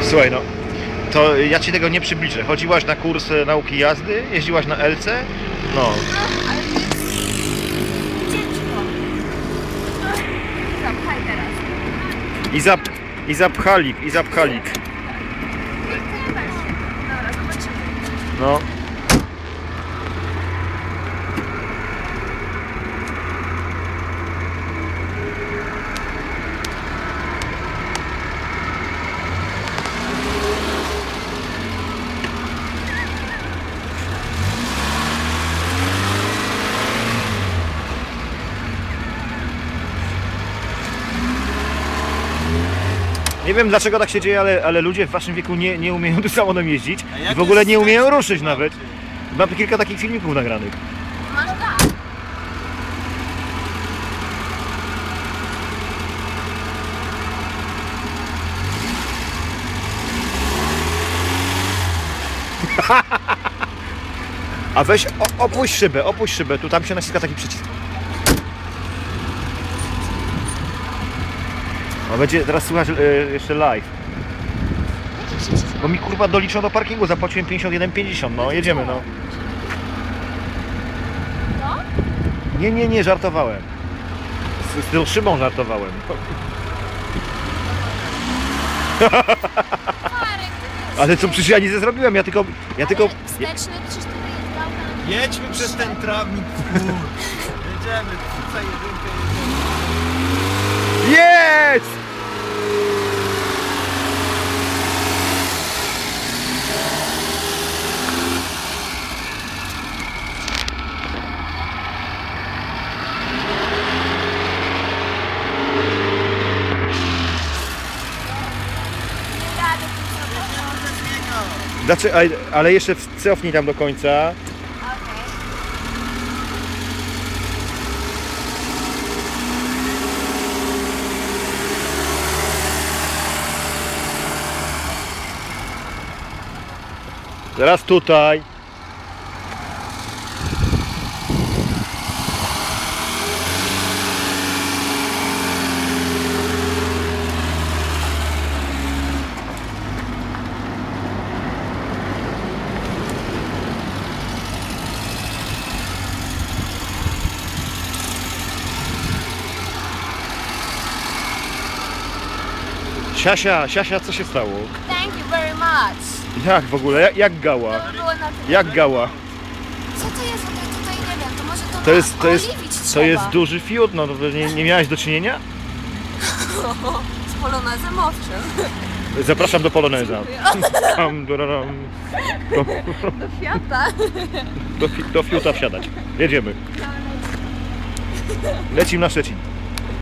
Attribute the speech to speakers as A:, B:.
A: Słuchaj, no, to ja ci tego nie przybliżę. Chodziłaś na kurs nauki jazdy? Jeździłaś na LC? No.
B: No, ale to jest ciężko. Zapchaj teraz.
A: I zapchalik.
B: Dobra, zobaczymy.
A: No. Nie wiem dlaczego tak się dzieje, ale ludzie w waszym wieku nie umieją tym samochodem jeździć i w ogóle nie umieją ruszyć nawet. Mam kilka takich filmików nagranych.
B: Masz tak.
A: A weź opuść szybę, tu tam się naciska taki przycisk. A będzie teraz słuchać jeszcze live. Bo mi kurwa doliczą do parkingu, zapłaciłem 51,50, no jedziemy no.
B: No?
A: Nie, żartowałem. Z tą szybą żartowałem. Ale co, przecież ja nic nie zrobiłem, ja tylko...
B: Wsteczny, przecież to wyjeżdżał tam.
C: Jedźmy przez ten trawnik, jedziemy, tutaj jedynkę jedziemy.
A: Jest!
B: Nie jadę tym samochodem.
A: Znaczy, ale jeszcze cofnij tam do końca.
B: Okej.
A: Teraz tutaj. Siasia, co się stało?
B: Thank you very much.
A: Jak w ogóle? Jak gała?
B: To by było na tyle.
A: Jak gała?
B: Co to jest? Ja tutaj nie wiem, to może
A: To
B: trzeba.
A: jest duży fiut, no to nie miałeś do czynienia?
B: Z polonezem owszem.
A: Zapraszam do Poloneza.
B: Do Fiata.
A: Do fiuta wsiadać. Jedziemy. Lecimy na Szczecin.